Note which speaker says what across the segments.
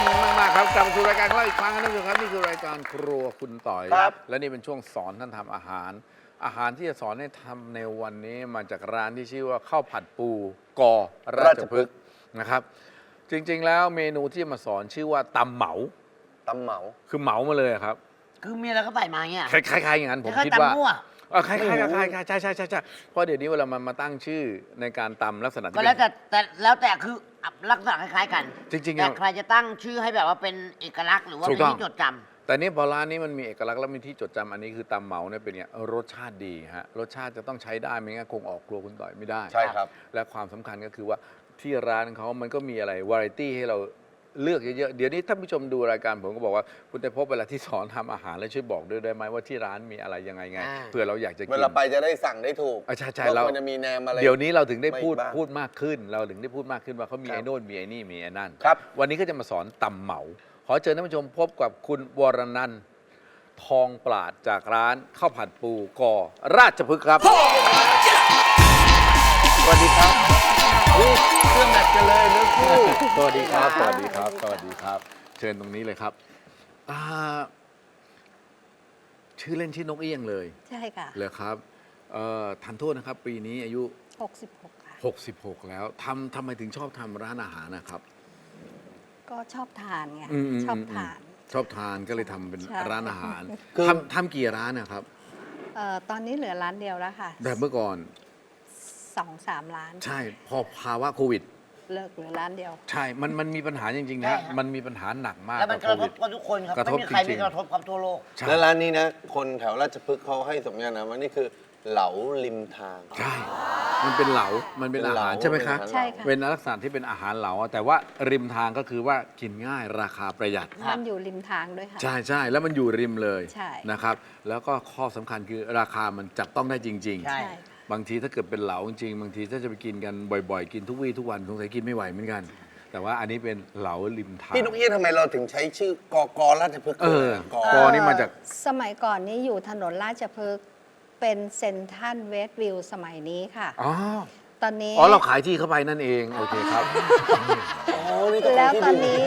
Speaker 1: มากๆครับกลับมาสู่รายการของเราอีกครั้งนะท่านผู้ชมครับนี่คือรายการครัวคุณต่อยครับและนี่เป็นช่วงสอนท่านทำอาหารที่จะสอนให้ทำในวันนี้มาจากร้านที่ชื่อว่าข้าวผัดปูกอราชพฤกษ์นะครับจริงๆแล้วเมนูที่จะมาสอนชื่อว่าตำเหมาคือเหมามาเลยครับ
Speaker 2: คือมีอะไรก็ใส่มาเนี่ย
Speaker 1: คล้ายๆอย่างนั้นผมคิดว่าคล้ายๆใช่เพราะเดี๋ยวนี้เวลามันมาตั้งชื่อในการตำลักษณะที่
Speaker 2: ก็แล้วแต่คือลักษณะคล้ายๆกัน
Speaker 1: จริงๆ
Speaker 2: แต่ใครจะตั้งชื่อให้แบบว่าเป็นเอกลักษณ์หรือว่าเป็นที่จดจำ
Speaker 1: แต่นี่พอร้านนี้มันมีเอกลักษณ์และมีที่จดจำอันนี้คือตำเหมาเนี่ยเป็นเนี่ยรสชาติดีฮะรสชาติจะต้องใช้ได้ไม่งั้นคงออกครัวคุณต่อยไม่ได้
Speaker 3: ใช่ครับ
Speaker 1: และความสำคัญก็คือว่าที่ร้านเขามันก็มีอะไรวาไรตี้ให้เราเลือกเยอะๆเดี๋ยวนี้ท่านผู้ชมดูรายการผมก็บอกว่าคุณได้พบเวลาที่สอนทำอาหารแล้วช่วยบอกด้วยได้ไหมว่าที่ร้านมีอะไรยังไงเผื่อเราอยากจะกิน
Speaker 3: เวลาไปจะได้สั่งได้ถูก
Speaker 1: ใช่
Speaker 3: ว่า
Speaker 1: เรา
Speaker 3: ควรจะมีแนมอะไร
Speaker 1: เดี๋ยวนี้เราถึงได้พูด
Speaker 3: ไม่บ้าง
Speaker 1: พูดมากขึ้น เราถึงได้พูดมากขึ้นว่าเขามี
Speaker 3: ครับ
Speaker 1: ไอ้โน่นมีไอ้นี่มีไอ้นั่น
Speaker 3: ครับ
Speaker 1: วันนี้ก็จะมาสอนตำเหมา ขอเชิญท่านผู้ชมพบกับคุณวรนันท์ทองปราดจากร้านข้าวผัดปูกอราชพฤกษ์ครับสวัสดีครับ
Speaker 3: เครื่องแมทกันเลยเนื้อคู่
Speaker 1: สวัสดีครับสวัสดีครับสวัสดีครับ เชิญตรงนี้เลยครับชื่อเล่นชื่อนกเอี้ยงเลย
Speaker 4: ใช่ค่ะ
Speaker 1: เลยครับทันโทษนะครับ ปีนี้อายุ
Speaker 4: 66 ค่ะ
Speaker 1: 66 แล้วทำไมถึงชอบทำร้านอาหารนะครับ
Speaker 4: ก็ชอบทานไง ชอบทาน
Speaker 1: ชอบทานก็เลยทำเป็น
Speaker 4: ใช่
Speaker 1: ร้านอาหาร
Speaker 3: คือ
Speaker 1: ทำกี่ร้านนะครับ
Speaker 4: ตอนนี้เหลือร้านเดียวแล้วค่ะ
Speaker 1: แบบเมื่อก่อน
Speaker 4: 2-3 ร้าน
Speaker 1: ใช่พอภาวะโควิด
Speaker 4: เลิกเหลือร้านเดียว
Speaker 1: ใช่มันมีปัญหาจริงๆนะ
Speaker 2: ใช่
Speaker 1: ฮะ
Speaker 2: ฮะ
Speaker 1: มันมีปัญหาหนักมาก
Speaker 2: แล้วมันก
Speaker 1: กับ
Speaker 2: ระ
Speaker 1: โค
Speaker 2: ท
Speaker 1: วิ
Speaker 2: บ
Speaker 1: ด
Speaker 2: กับทุกคนครับ
Speaker 1: กระทบ
Speaker 2: ไม่มีใคร
Speaker 1: จริ
Speaker 2: ไม่
Speaker 1: งๆ
Speaker 2: กระทบกับทั่วโลก
Speaker 1: ใช่
Speaker 3: แล้วร้านนี้นะ คนแถวราชพฤกษ์เขาให้สมญานามว่านี่คือเหลาริมทาง
Speaker 1: ใช่ มันเป็นเหลา มันเป็นอาหารใช่ไหมคะ
Speaker 4: ใช่ค่ะ
Speaker 1: เป็นลักษณะที่เป็นอาหารเหลาแต่ว่าริมทางก็คือว่ากินง่ายราคาประหยัด
Speaker 4: มันอยู่ริมทางด้วยค่ะ
Speaker 1: ใช่แล้วมันอยู่ริมเลย
Speaker 4: ใช่
Speaker 1: นะครับ แล้วก็ข้อสำคัญคือราคามันจับต้องได้จริง
Speaker 2: ใช่
Speaker 4: ใช่ค่ะ
Speaker 1: บางทีถ้าเกิดเป็นเหลาจริงๆบางทีถ้าจะไปกินกันบ่อยๆ กินทุกวี่ทุกวันสงสัยกินไม่ไหวเหมือนกัน แต่ว่าอันนี้เป็นเหลาริมทาง
Speaker 3: พี่นกเอี้ยงทำไมเราถึงใช้ชื่อกอราชพฤกษ์
Speaker 1: กอนี่มาจาก
Speaker 4: สมัยก่อนนี้อยู่ถนนราชพฤกษ์เป็นเซ็นทรัลเวสต์วิวสมัยนี้ค่ะ
Speaker 1: อ๋อ
Speaker 4: ตอนนี้
Speaker 1: เราขายที่เข้าไปนั่นเอง โอเคครับ
Speaker 3: อ๋อนี่ก็
Speaker 4: แล้ว
Speaker 3: ที่
Speaker 4: ตอน
Speaker 3: ดิ
Speaker 4: นี้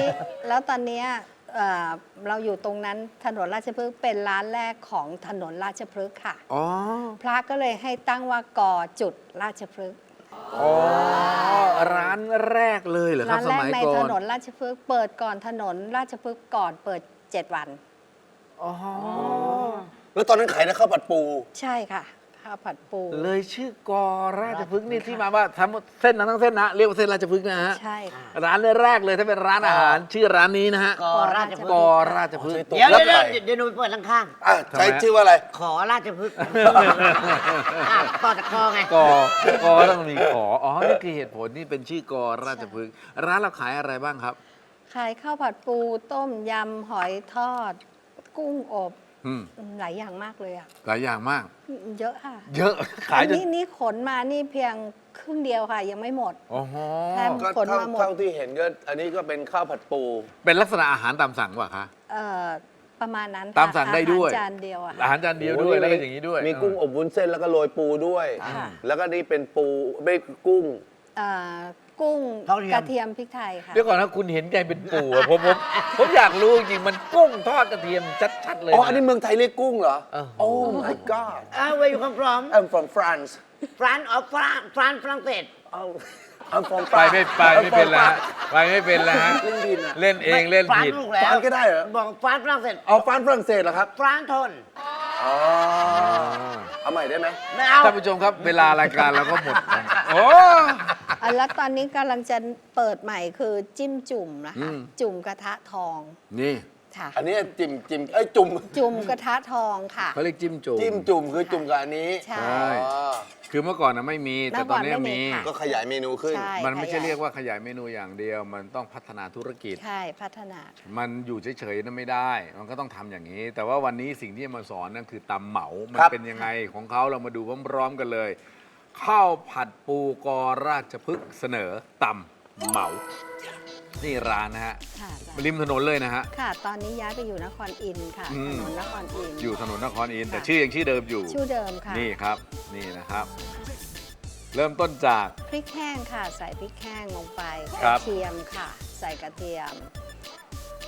Speaker 4: เราอยู่ตรงนั้นถนนราชพฤกษ์เป็นร้านแรกของถนนราชพฤกษ์ค่ะ
Speaker 1: อ๋อ
Speaker 4: พระก็เลยให้ตั้งว่ากอจุดราชพฤกษ์
Speaker 1: อ๋อ ร้านแรกเลยเหรอครั
Speaker 4: ร้า
Speaker 1: บ
Speaker 4: น
Speaker 1: ส
Speaker 4: แรก
Speaker 1: มัย
Speaker 4: ใน
Speaker 1: ก่อ
Speaker 4: ถ
Speaker 1: น
Speaker 4: นนราชพฤกษ์เปิดก่อนถนนราชพฤกษ์ก่อนเปิด 7 วัน
Speaker 1: อ๋อ
Speaker 3: แล้วตอนนั้นขายนะข้าวผัดปู
Speaker 4: ใช่ค่ะข้าวผัดปู
Speaker 1: เลยชื่อกอราชพฤกษ์นี่ที่มาว่าทำเส้นนั้นทั้งเส้นนะเรียกว่าเส้นราชพฤกษ์นะฮะ
Speaker 4: ใช่ค่ะ
Speaker 1: ร้านแรกเลยถ้าเป็นร้านอาหาร ชื่อร้านนี้นะฮะ
Speaker 2: กอราชพฤก
Speaker 1: ก
Speaker 2: ษ์
Speaker 1: อราชพฤกษ์
Speaker 3: ตก
Speaker 2: เดี๋ยว
Speaker 3: แล้ว
Speaker 2: เดี๋ยว
Speaker 3: ไก่
Speaker 2: เดี๋ยวหนูไปเปิดข้าง
Speaker 3: อ่ะ
Speaker 1: ทำไม
Speaker 3: ใช้
Speaker 1: ฮะ
Speaker 3: ชื่อว่าอะไร
Speaker 2: ๆขอราชพฤกษ์ต่อจากคอไง
Speaker 1: กต้องมีขอ อ๋อ นี่คือเหตุผลที่เป็นชื่อกอราชพฤกษ์ร้านเราขายอะไรบ้างครับ
Speaker 4: ขายข้าวผัดปูต้มยำหอยทอด กุ้งอบ
Speaker 1: อืม
Speaker 4: หลายอย่างมากเลยอ่ะ
Speaker 1: หลายอย่างมาก
Speaker 4: เยอะค่ะ
Speaker 1: เยอะ ขายจน
Speaker 4: นี่ขนมานี่เพียงครึ่งเดียวค่ะ ยังไม่หมด
Speaker 1: โอ้โห
Speaker 4: แถม
Speaker 3: ก็
Speaker 4: ขนมาหมด
Speaker 3: เท่าที่เห็นก็อันนี้ก็เป็นข้าวผัดปู
Speaker 1: เป็นลักษณะอาหารตามสั่งป่ะคะ
Speaker 4: เอ่อประมาณนั้นค่ะ
Speaker 1: ตามสั่งได้ด้วย
Speaker 4: อาหารจานเดียวอะ
Speaker 1: อา
Speaker 4: ค่ะ
Speaker 1: หารจานเดียวด้วยแล้วก็อย่างนี้ด้วย
Speaker 3: มีกุ้งอบวุ้นเส้นแล้วก็โรยปูด้วย
Speaker 4: ค่ะ
Speaker 3: แล้วก็นี่เป็นปูไม่กุ้ง
Speaker 4: เอ่อกุ้ง
Speaker 2: ทอดกระเทียม
Speaker 4: กระเทียมพริกไทยค่ะ
Speaker 1: เดี๋ยวก่อนนะคุณเห็นใจเป็นปู่อะผมอยากรู้จริงๆมันกุ้งทอดกระเทียมชัดๆเลย
Speaker 3: อ๋อ อันนี้เมืองไทยเรียกกุ้งเหรอ
Speaker 1: โอ้
Speaker 3: Oh my god
Speaker 2: Where you come from
Speaker 3: I'm from France
Speaker 2: France of France ฝรั่งเศส
Speaker 3: Oh I'm from
Speaker 1: ไป
Speaker 3: France
Speaker 1: ไม่เป็นแล้วฮะไปไม่เป็นแล้วฮะ
Speaker 3: เล่นดินอะ
Speaker 1: เล่นเองเล่น
Speaker 2: ฝรั่ง
Speaker 1: ผิด
Speaker 2: ถูกแล้ว
Speaker 3: ฝรั่งก็ได้เหรอ
Speaker 2: บอกฝรั่งเศส
Speaker 3: เอาฝรั่งเศสเหรอครับ
Speaker 2: ฝรั่งทน
Speaker 3: อ๋อ เอาใหม่ได้ไหม
Speaker 2: ไม่เอา
Speaker 1: ท่านผู้ชมครับ เวลารายการเราก็หมดแล้วโอ้
Speaker 4: แล้วตอนนี้กำลังจะเปิดใหม่คือจิ้มจุ่มนะคะ
Speaker 1: อืม
Speaker 4: จุ่มกระทะทอง
Speaker 1: นี่
Speaker 4: ค่ะ
Speaker 3: อันนี้จิ้มเอ้ยจุ่ม
Speaker 4: จุ่มกระทะทองค่ะ
Speaker 1: เขาเรียกจิ้มจุ่ม
Speaker 3: จิ้มจุ่มคือจุ่มกับอันนี้
Speaker 4: ใช่
Speaker 1: ใช่
Speaker 3: อ๋อ
Speaker 1: คือเมื่อก่อนนะไม่มี แต่ตอนนี้
Speaker 4: เมื่อก่อนไม่
Speaker 1: มี
Speaker 4: มีค่ะ
Speaker 3: ก็ขยายเมนูขึ้น
Speaker 4: ใช่
Speaker 1: มันไม่ใช่
Speaker 4: ข
Speaker 1: เรียกว่าขยายเมนูอย่างเดียว มันต้องพัฒนาธุรกิจ
Speaker 4: ใช่พัฒนา
Speaker 1: มันอยู่เฉยๆนั้นไม่ได้ มันก็ต้องทำอย่างนี้ แต่ว่าวันนี้สิ่งที่จะมาสอนนั่นคือตำเหมา มัน
Speaker 3: ครับ
Speaker 1: เป็นยังไงของเขาเรามาดูพร้อมๆกันเลย ข้าวผัดปูกอราชพฤกษ์เสนอตำเหมา นี่ร้านนะฮะ
Speaker 4: ค่ะ
Speaker 1: ริมถนนเลยนะฮะ
Speaker 4: ค่ะ ตอนนี้ย้ายไปอยู่นครอินทร์ค่ะ
Speaker 1: อืม
Speaker 4: ถนนนครอินทร์
Speaker 1: อยู่ถนนนครอินทร์แต่
Speaker 4: ค่ะ
Speaker 1: ชื่อยังชื่อเดิมอยู่
Speaker 4: ชื่อเดิมค่ะ
Speaker 1: นี่ครับ นี่นะครับ เริ่มต้นจาก
Speaker 4: พริกแห้งค่ะ ใส่พริกแห้งลงไป
Speaker 1: ครั
Speaker 4: ก
Speaker 1: บ
Speaker 4: ระเทียมค่ะ ใส่กระเทียม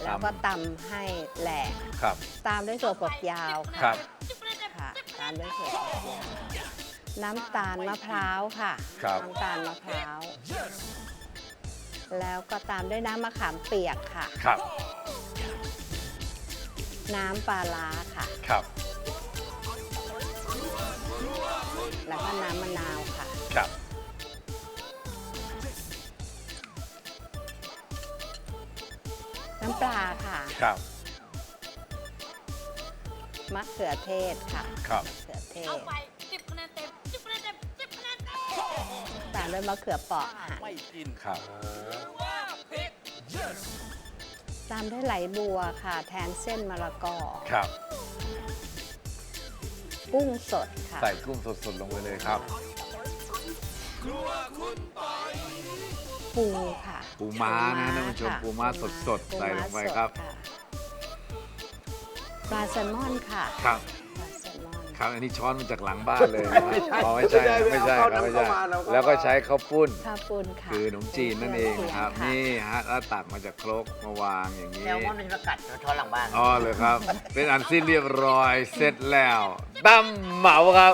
Speaker 4: แล้วก็ตำให้แหลก
Speaker 1: ครับ
Speaker 4: ตามด้วยถั่วฝักยาว
Speaker 1: ครั
Speaker 4: ค่ะ
Speaker 1: บ
Speaker 4: ค่ะ ตามด้วยถั่วฝักยาวน้ำตาลมะพร้าวค่ะ
Speaker 1: ครับ
Speaker 4: น้ำตาลมะพร้าว แล้วก็ตามด้วยน้ำมะขามเปียกค่ะ
Speaker 1: ครับ
Speaker 4: น้ำปลาร้าค่ะ
Speaker 1: ครับ
Speaker 4: แล้วก็น้ำมะนาวค่ะ
Speaker 1: ครับ
Speaker 4: น้ำปลาค่ะ
Speaker 1: ครับ
Speaker 4: มะเขือเทศค่ะ
Speaker 1: ครับ
Speaker 4: มะเขือเทศ
Speaker 2: เอาไป10 คะแนนเต็ม 10 คะแนนเต็ม 10 คะแนนเต็ม
Speaker 4: ตามด้วยมะเขือเปราะหั่น
Speaker 1: ครับ
Speaker 4: ตามด้วยไหลบัวค่ะ แทนเส้นมะละกอ
Speaker 1: ครับ
Speaker 4: กุ้งสดค่ะ
Speaker 1: ใส่กุ้งสดๆลงไปเลยครับ
Speaker 4: ปูค่ะ
Speaker 1: ปูม้านะท่านผู้ชม
Speaker 4: ค่ะ
Speaker 1: ปูม้าสดๆใส่ลงไปครับ
Speaker 4: ปูม้าสดะปลาแซลมอนค่ะ
Speaker 1: ครับ
Speaker 4: ปลาแซลมอน
Speaker 1: ครับ อันนี้ช้อนมาจากหลังบ้านเลยนะครับอ๋อไม่ใช่ไม่ใช่ครับไม่ใช่ แล้วก็ใช้ข้าวปุ้น
Speaker 4: ข้าวปุ้นค่ะ
Speaker 1: คือขนมจีนนั่นเองครับ
Speaker 4: ะ
Speaker 1: นี่ฮะแล้วตักมาจากครกมาวางอย่างนี้
Speaker 2: แล้วมันเป็นประกัดช้อนหลังบ้าน
Speaker 1: อ๋อเลยครับ เป็นอันสิ้นเรียบร้อยเสร็จแล้วตั้มเหมาครับ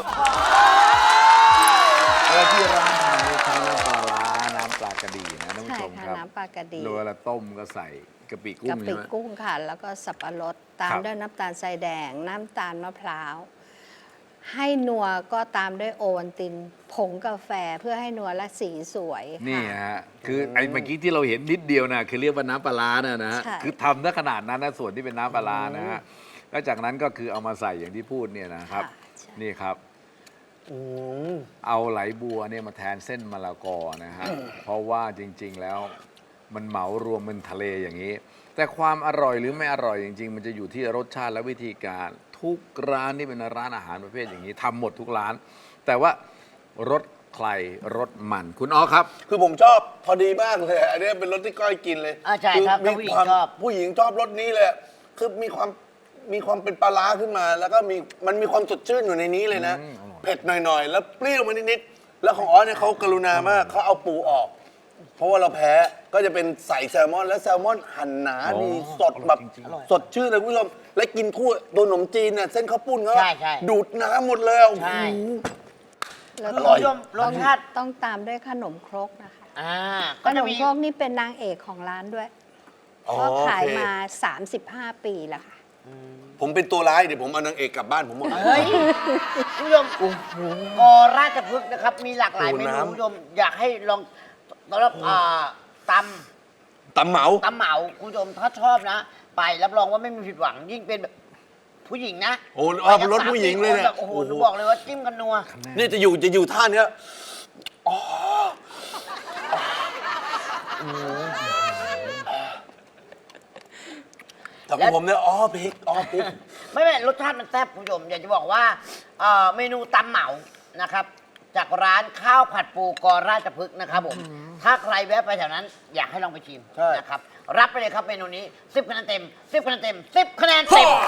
Speaker 1: แล้วที่ร้านทำนี่ใช้น้ำปลาร้าน้ำปลากระดีนะท่านผู้
Speaker 4: ใช่
Speaker 1: ชม
Speaker 4: ค่ะ
Speaker 1: ครับ
Speaker 4: น้ำปลากระดี
Speaker 1: โดยเวลาต้มก็ใส่กะปิกุ้
Speaker 4: กะ
Speaker 1: ง
Speaker 4: ปิ
Speaker 1: ใช่ไหม
Speaker 4: กุ้งค่ะ แล้วก็สับปะรดตาม
Speaker 1: ครับ
Speaker 4: ด้วยน้ำตาลทรายแดง น้ำตาลมะพร้าว ให้นัวก็ตามด้วยโอวัลตินผงกาแฟเพื่อให้นัวและสีสวยค่ะ
Speaker 1: นี่ฮะคือไอ้เมื่อกี้ที่เราเห็นนิดเดียวนะคือเรียกว่าน้ำปลาร้านะฮะ
Speaker 4: ใช่
Speaker 1: คือทำได้ขนาดนั้นนะส่วนที่เป็นน้ำปลาร้านะฮะแล้วจากนั้นก็คือเอามาใส่อย่างที่พูดเนี่ยนะครับ
Speaker 4: ค่ะใช่
Speaker 1: นี่ครับ เอาไหลบัวเนี่ยมาแทนเส้นมะละกอนะฮะ เพราะว่าจริงๆแล้วมันเหมารวมเป็นทะเลอย่างนี้ แต่ความอร่อยหรือไม่อร่อยจริงๆ มันจะอยู่ที่รสชาติและวิธีการ ทุกร้านที่เป็นร้านอาหารประเภทอย่างนี้ทำหมดทุกร้าน แต่ว่ารสใครรสมันคุณอ๋อครับ
Speaker 3: คือผมชอบพอดีมากเลยอันนี้เป็นรสที่ก้อยกินเลย
Speaker 2: ใช่ครับ
Speaker 3: มี
Speaker 2: ผู้หญิง
Speaker 3: ความ
Speaker 2: ชอบ
Speaker 3: ผู้หญิงชอบรสนี้เลยคือมีความเป็นปลาร้าขึ้นมา แล้วก็มันมีความสดชื่นอยู่ในนี้เลยนะ เผ็ดหน่อยๆ แล้วเปรี้ยวมานิดๆแล้วของอ๋อเนี่ยเขากรุณามากเขาเอาปูออก เพราะว่าเราแพ้ก็จะเป็นใส่แซลมอน แล้วแซลมอนหั่นหนา
Speaker 1: อ๋อ
Speaker 3: ดีสดแบบ
Speaker 1: อร่อยจริง
Speaker 3: สดชื่นเลยคุณผู้ชมและกินคู่ตัวขนมจีนเนี่ยเส้นข้าวปุ้นเขา
Speaker 2: ใช่ใช่
Speaker 3: ดูดน้ำหมดเลยอ่ะ
Speaker 2: ใช่
Speaker 3: โอ้โห
Speaker 4: แล้ว
Speaker 3: อร่อย
Speaker 2: รสชาติ
Speaker 4: ต้องตามด้วยขนมครกนะคะ ข
Speaker 2: ก็
Speaker 4: น
Speaker 2: จะ
Speaker 4: ม
Speaker 2: มี
Speaker 4: ครกนี่เป็นนางเอกของร้านด้วย
Speaker 3: อ๋อ
Speaker 4: ก็ขาย
Speaker 3: โอเค
Speaker 4: มา 35 ปีแล้วค่ะ
Speaker 3: ผมเป็นตัวร้ายเดี๋ยวผมเอานางเอกกลับบ้านผมหมด
Speaker 2: เฮ้ยคุณผู้ชมกอราชพฤกษ์นะครับ มีหลากหลายเมนู
Speaker 3: น้ำ
Speaker 2: คุณผู้ชมอยากให้ลองสำหรับต
Speaker 3: ตำเหมา
Speaker 2: ำตำเหมาคุณผู้ชมถ้าชอบนะ ไปรับรองว่าไม่มีผิดหวัง ยิ่งเป็นแบบผู้หญิงนะ
Speaker 3: โอ้เอาเป็นรสผู้หญิงเลยเนี่ย
Speaker 2: โอ้โหหนูบอกเลยว่าจิ้มกันนัว
Speaker 3: นี่จะอยู่ท่าเนี้ยแต่ของผมเนี่ยพริกพริก
Speaker 2: ไม่รสชาติมันแซ่บคุณผู้ชมอยากจะบอกว่าเมนูตำเหมานะครับ จากร้านข้าวผัดปูกอราชพฤกษ์นะครับผม ถ้าใครแวะไปแถวนั้น อยากให้ลองไปชิม
Speaker 3: ใช่
Speaker 2: นะครับ รับไปเลยครับเมนูนี้ 10 คะแนนเต็ม 10 คะแนนเต็ม 10 คะแนนเต็ม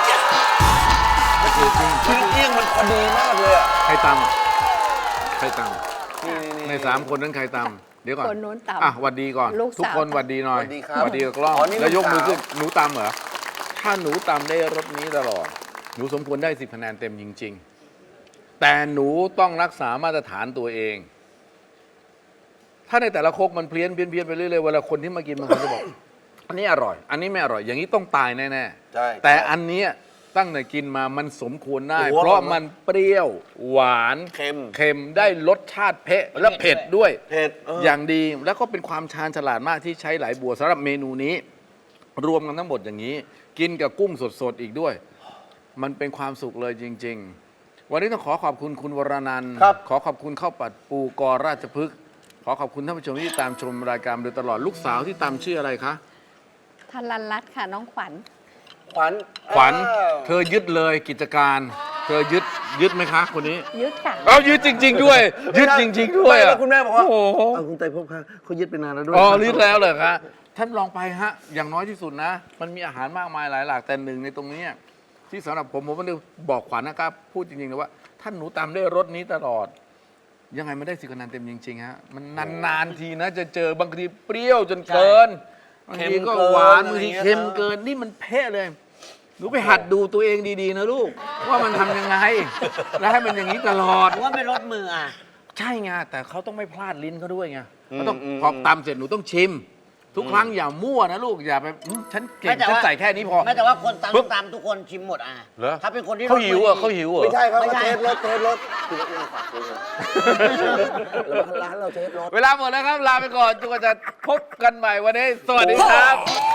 Speaker 3: คือเอี้ยงมันพอดีมากเลยอ่ะ
Speaker 1: ใครตำใครต
Speaker 3: นี่
Speaker 1: ำใน3 คนนั้นใครตำเดี๋ยวก่อน
Speaker 4: คนนู้นตำ
Speaker 1: อ่ะหวัดดีก่อน
Speaker 4: ลูกสาว
Speaker 1: ทุกคนหวัดดีหน่อย
Speaker 3: สวัสดีครับ
Speaker 1: หวัดดีกับกล้อง
Speaker 3: อ๋อนี่
Speaker 1: แล้วยกมือ
Speaker 3: ลูกสาว
Speaker 1: ขึ้นหนูตำเหรอถ้าหนูตำได้รสนี้ตลอด หนูสมควรได้10 คะแนนเต็มจริง ๆ แต่หนูต้องรักษามาตรฐานตัวเอง ถ้าในแต่ละโคกมันเพี้ยนไปเรื่อยๆเวลาคนที่มากินบางคนจะบอก อันนี้อร่อย อันนี้ไม่อร่อย อย่างนี้ต้องตายแน่
Speaker 3: ใช่
Speaker 1: ๆแต่อันเนี้ยตั้งแต่กินมามันสมควรได้
Speaker 3: โอ้โห
Speaker 1: เพราะมันเปรี้ยวหวาน
Speaker 3: เค็ม
Speaker 1: เค็มได้รสชาติเผ็ดและเผ็ดด้วย
Speaker 3: เผ็ด
Speaker 1: อย่างดีแล้วก็เป็นความชาญฉลาดมากที่ใช้ไหลบัวสำหรับเมนูนี้ รวมกันทั้งหมดอย่างนี้ กินกับกุ้งสดๆอีกด้วย มันเป็นความสุขเลยจริง ๆ วันนี้ต้องขอขอบคุณคุณวรนันท์
Speaker 3: ครับ
Speaker 1: ขอขอบคุณข้าวผัดปูกอราชพฤกษ์ขอขอบคุณท่านผู้ชมที่ตามชมรายการมาโดยตลอดลูกสาวที่ตามชื่ออะไรคะ
Speaker 4: ทันรันรัตน์ค่ะน้องขวัญ
Speaker 3: ขวัญ
Speaker 1: ขวัญ
Speaker 3: อ้าว
Speaker 1: เธอยึดเลยกิจการ เธอยึดไหมคะคนนี้
Speaker 4: ยึดค่ะ
Speaker 1: เอายึดจริง ๆ ด้วย ยึดจริง ๆ ด้วย
Speaker 3: ไม่แล้
Speaker 1: อ่ะ
Speaker 3: วคุณแม่บอกว่า
Speaker 1: โอ้โห
Speaker 3: เอาคุณไตรภพค่ะเขายึดไปนานแล้วด้วย
Speaker 1: อ๋อรีดแล้วเหรอคะท่านลองไปฮะ อย่างน้อยที่สุดนะ มันมีอาหารมากมายหลายหลากแต่หนึ่งในตรงนี้ที่สำหรับผมไม่ได้บอกขวัญนะครับ พูดจริงๆนะว่า ท่านหนูตามได้รสนี้ตลอด ยังไงไม่ได้10 คะแนนเต็มจริงๆฮะมันนานๆทีนะจะเจอบางทีเปรี้ยวจนเกินบางทีก็หวานบางทีเค็มเกินนี่มันเพ่เลยหนูไปหัดดูตัวเองดีๆนะลูก ว่ามันทำยังไง แล้วให้มันอย่างนี้ตลอด
Speaker 2: ว่าไม่ลดมืออ่ะ
Speaker 1: ใช่ไงแต่เขาต้องไม่พลาดลิ้นเขาด้วยไงเขาต้องพอตำเสร็จหนูต้องชิม ทุกครั้งอย่ามั่วนะลูกอย่าไปฉันเก่งฉันใส่แค่นี้พอ
Speaker 2: ไม่แต่ว่าคนตำตำทุกคนชิมหมดอ่ะ
Speaker 1: เหรอ
Speaker 2: ถ้าเป็นคนที่
Speaker 1: เขาหิวอ่ะเขาหิวอ่ะ
Speaker 3: ไม่ใช่ครับ
Speaker 2: ไม่ใช่
Speaker 3: เทสรสคือรสฝากเลยร้านเราเทสรส
Speaker 1: เวลาหมดแล้วครับ ลาไปก่อนจนกว่าจะพบกันใหม่วันนี้ สวัสดีครับ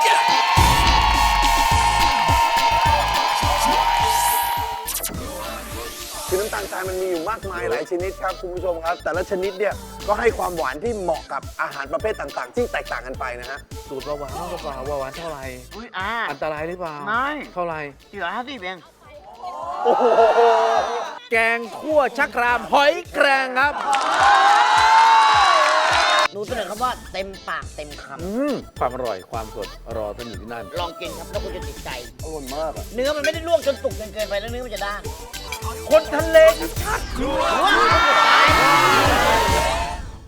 Speaker 3: คือน้ำตาลทรายมันมีอยู่มากมายหลายชนิดครับคุณผู้ชมครับ แต่ละชนิดเนี่ยก็ให้ความหวานที่เหมาะกับอาหารประเภทต่างๆ ที่แตกต่างกันไปนะฮะ
Speaker 1: สูตรเบาหวานเท่าเปล่าเบาหวานเท่าไหร่
Speaker 2: อุ้ย
Speaker 1: อันตรายหรือเปล่า
Speaker 2: ไม่
Speaker 1: เท่าไหร่
Speaker 2: 450เอง
Speaker 1: แกงคั่วชักรามหอยแครงครับ
Speaker 2: หนูเสนอคำว่าเต็มปากเต็มค
Speaker 1: ความอร่อยความสดรอท่านอยู่ที่นั่น
Speaker 2: ำลองกินครับแล้วคุณจะติดใจ
Speaker 3: อร่อยมากอะ
Speaker 2: เนื้อมันไม่ได้ลวกจนสุกจนเกินไปแล้วเนื้อมันจะด้าน
Speaker 1: คนทะเลชัก
Speaker 2: ว้าว